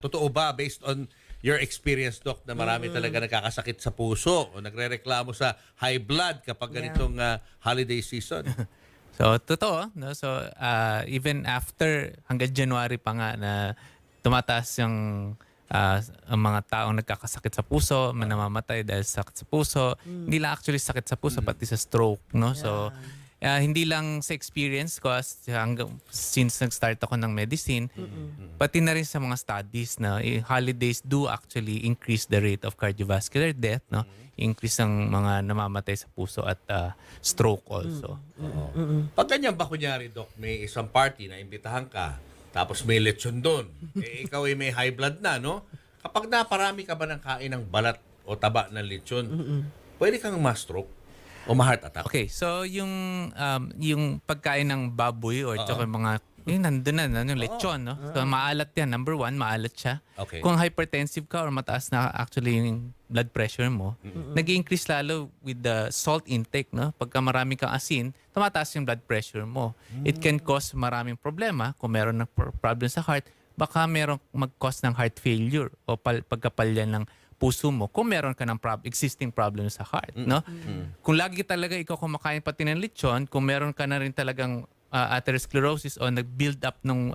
Totoo ba, based on your experience, Doc, na marami talaga nagkakasakit sa puso o nagre-reklamo sa high blood kapag ganitong holiday season? So, totoo. No? So, even after, hanggang January pa nga na tumataas yung ang mga taong nagkakasakit sa puso, namamatay dahil sa sakit sa puso. Hindi lang actually sakit sa puso, pati sa stroke. No? So, hindi lang sa experience ko since nag-start ako ng medicine, pati na rin sa mga studies na holidays do actually increase the rate of cardiovascular death, no? Increase ang mga namamatay sa puso at stroke also. Pag ganyan ba, kunyari, Doc, may isang party na imbitahan ka, tapos may lechon doon, ikaw ay may high blood na, no? Kapag naparami ka ba ng kain ng balat o taba ng lechon, pwede kang ma-stroke o ma-heart attack? Okay, so yung pagkain ng baboy or tsaka mga yung nandun na, yung lechon, no? So maalat yan. Number one, maalat siya. Okay. Kung hypertensive ka or mataas na actually yung blood pressure mo, nag-increase lalo with the salt intake, no? Pagka marami kang asin, tumataas yung blood pressure mo. It can cause maraming problema. Kung meron ng problem sa heart, baka meron mag-cause ng heart failure o pagkapalyan ng puso mo kung meron ka ng existing problem sa heart, no? Kung lagi talaga ikaw kumakain pati ng lechon, kung meron ka na rin talagang atherosclerosis o nag-build up nung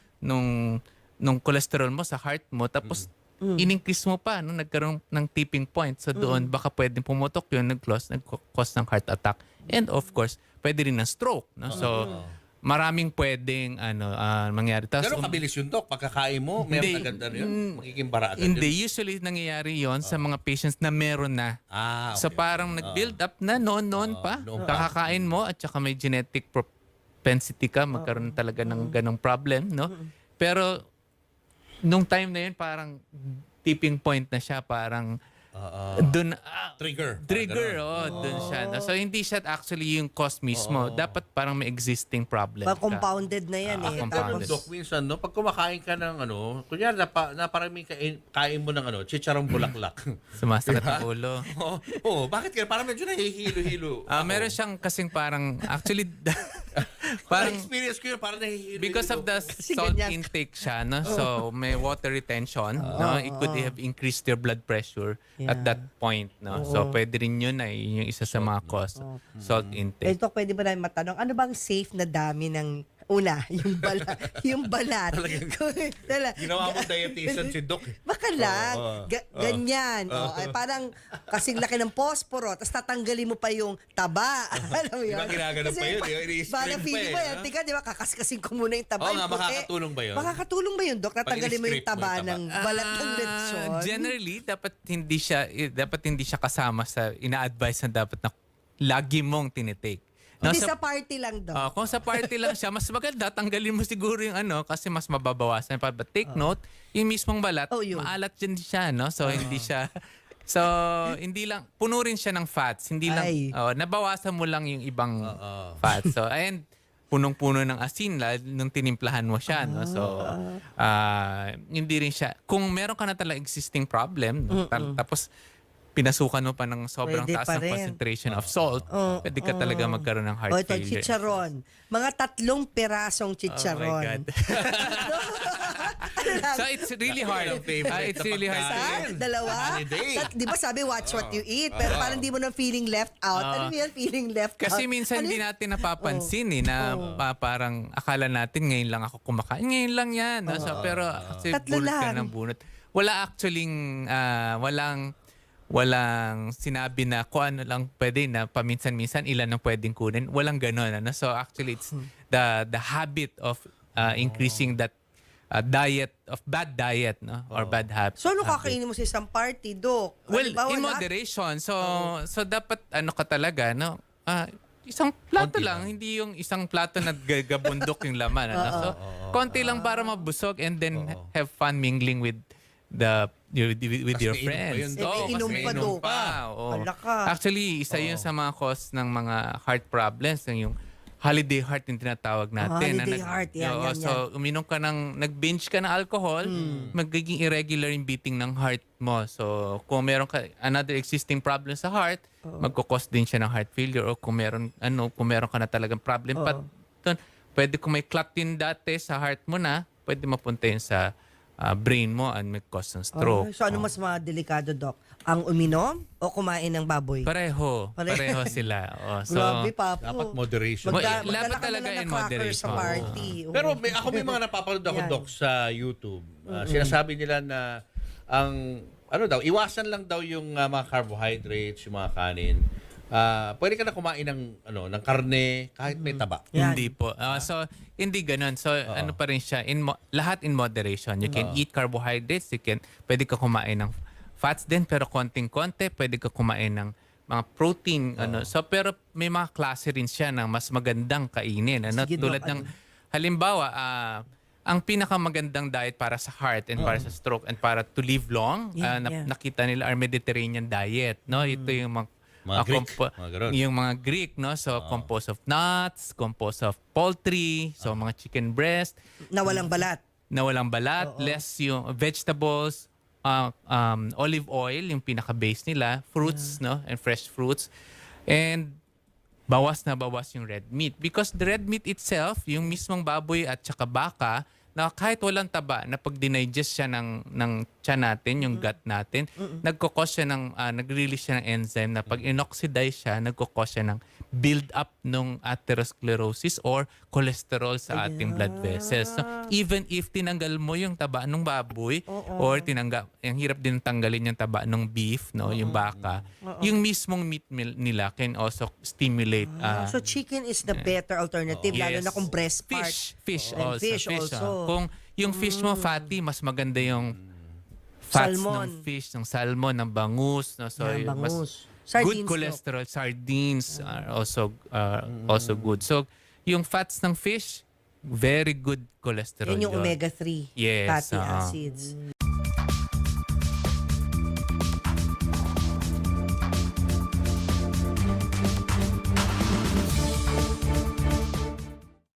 cholesterol mo sa heart mo, tapos in-increase mo pa, no? Nagkaroon ng tipping point. So doon, baka pwedeng pumutok yun, nag-cause ng heart attack. And of course, pwede rin ng stroke, no? So, maraming pwedeng mangyari. Pero kabilis yun, Doc. Pagkakain mo, meron agad na yun. Magiging bara agad Hindi. yun. Usually, nangyayari yon sa mga patients na meron na. Okay. So parang nag-build up na noon pa. noon pa. Kakakain mo at saka may genetic propensity ka magkaroon talaga ng ganong problem, no? Pero nung time na yun parang tipping point na siya, parang dun Trigger. dun siya. No? So hindi siya actually yung cause mismo. Dapat parang may existing problem ka. Compounded na yan eh. Pero, compounded. Doc, minsan, no, pag kumakain ka ng kunyari, naparami kain mo ng chicharong bulaklak. Sumasakit ang ulo. Bakit ka? Parang medyo nahihilo-hilo. Meron siyang kasing parang actually Parang parang experience ko yun, parang nahihilo. because of the salt ganyan. intake siya, no? So may water retention, no? It could have increased your blood pressure at that point, no? So pwede rin yun yun yung isa sa mga cause, salt intake. Ito, pwede ba namin matanong, ano bang safe na dami ng una, yung balat. Ginawa mo dietitian si Doc. Baka lang, ganyan. Ay, parang kasing laki ng posporo, tapos tatanggalin mo pa yung taba. Alam mo Di yun? ba ginagano pa yun? I-string Parang pa feeling eh, mo yan. no? Tika, di ba, kakaskasin ko muna yung taba. Oo yung nga, puti. makakatulong ba yun? Makakatulong ba yun, Dok? Natanggalin mo yung Pag-i-strip mo taba yung taba. ng balat ng lechon? Generally, dapat hindi siya kasama sa ina-advise na dapat na lagi mong tinitake. No, Hindi sa party lang, Dok. kung sa party lang siya, mas maganda, tanggalin mo siguro yung kasi mas mababawasan pa. But take note, yung mismong balat, Yun. maalat din siya, no? So, hindi siya, so, hindi lang, puno rin siya ng fats. Hindi lang, Ay. nabawasan mo lang yung ibang fats. So, and, punong-puno ng asin nung tinimplahan mo siya, no? So, hindi rin siya, kung meron ka na talagang existing problem, no? Tapos, pinasukan mo pa ng sobrang Pwede taas pa ng rin. concentration of salt, pwede ka talaga magkaroon ng heart Ito, failure. chicharon. Mga 3 pirasong Oh chicharon. my God. So it's really hard. It's really hard. Isa? Dalawa? Holiday. Di ba sabi, watch what you eat? Pero parang di mo na feeling left out. Ano yan, feeling left out? Kasi minsan hindi natin napapansin na parang akala natin ngayon lang ako kumakain. Ngayon lang yan. No? So, pero actually, 3 bunot ka lang. ng bunot. Wala actually, walang sinabi na kung ano lang pwede na paminsan-minsan ilan ang pwedeng kunin. Walang ganun. Ano? So actually, it's the habit of increasing that bad diet, no? Or bad habit. So, ano kakainin mo sa isang party, Dok? Well, Halimbawa, in lahat- moderation. So dapat ka talaga, no? Isang plato Konti lang, hindi yung isang plato na gagabundok yung laman. Ano? So, konti lang para mabusog and then have fun mingling with with your Mas mainom pa friends. yun, Dok. Eh, may inom mas pa, mainom Dok. pa. Oo. Wala ka. Actually, isa yun sa mga cause ng mga heart problems, yung holiday heart yung tinatawag natin. Holiday heart, yan. So, uminom ka nag-binge ka ng alcohol, magiging irregular yung beating ng heart mo. So, kung meron ka another existing problem sa heart, magkukos din siya ng heart failure. O kung meron ka na talagang problem pa, pwede kung may clot din dati sa heart mo na, pwede mapunta yun sa brain mo and may cause ng stroke. So ano mas delikado, Doc? Ang uminom o kumain ng baboy? Pareho sila. So, Grabe, Papo. Dapat moderation. Dapat talaga in moderation. Sa party. Oo. Pero ako may mga napapanood ako, Yan. Doc, sa YouTube. Sinasabi nila na ang iwasan lang daw yung mga carbohydrates, yung mga kanin. Pwede ka na kumain ng karne kahit may taba. Yan. Hindi po. So, hindi ganun. So, ano pa rin siya, lahat in moderation. You can eat carbohydrates, pwede ka kumain ng fats din, pero konting-konti, pwede ka kumain ng mga protein. So, pero may mga klase rin siya ng mas magandang kainin. Sige, Tulad Doc, ng, halimbawa, ang pinakamagandang diet para sa heart and para sa stroke and para to live long, nakita nila are Mediterranean diet. No? Ito yung Mga Greek, mga ganun. yung mga Greek, no? So, composed of nuts, composed of poultry, so mga chicken breast, Na walang balat. na walang balat, less yung vegetables, olive oil, yung pinaka-base nila, fruits, no? And fresh fruits. And bawas na bawas yung red meat. Because the red meat itself, yung mismong baboy at saka baka, na kahit walang taba, na pag dinigest siya ng tiyan natin, yung gut natin, nagkukos siya nag-release siya ng enzyme na pag inoxidize siya, nagkukos siya ng build-up ng atherosclerosis or cholesterol sa ating blood vessels. So, even if tinanggal mo yung taba ng baboy or ang hirap din tanggalin yung taba ng beef, no, yung baka, yung mismong meat nila can also stimulate. So chicken is the better alternative, lalo Yes. na kung breast part. Fish And also. fish also. Kung yung fish mo fatty, mas maganda yung fats Salmon. ng fish, ng salmon, ng bangus. No? So, Yan, yung bangus. good Sardines, cholesterol. Sardines are also good. So, yung fats ng fish, very good cholesterol Yan yung yun. omega-3 Yes, fatty oo. acids.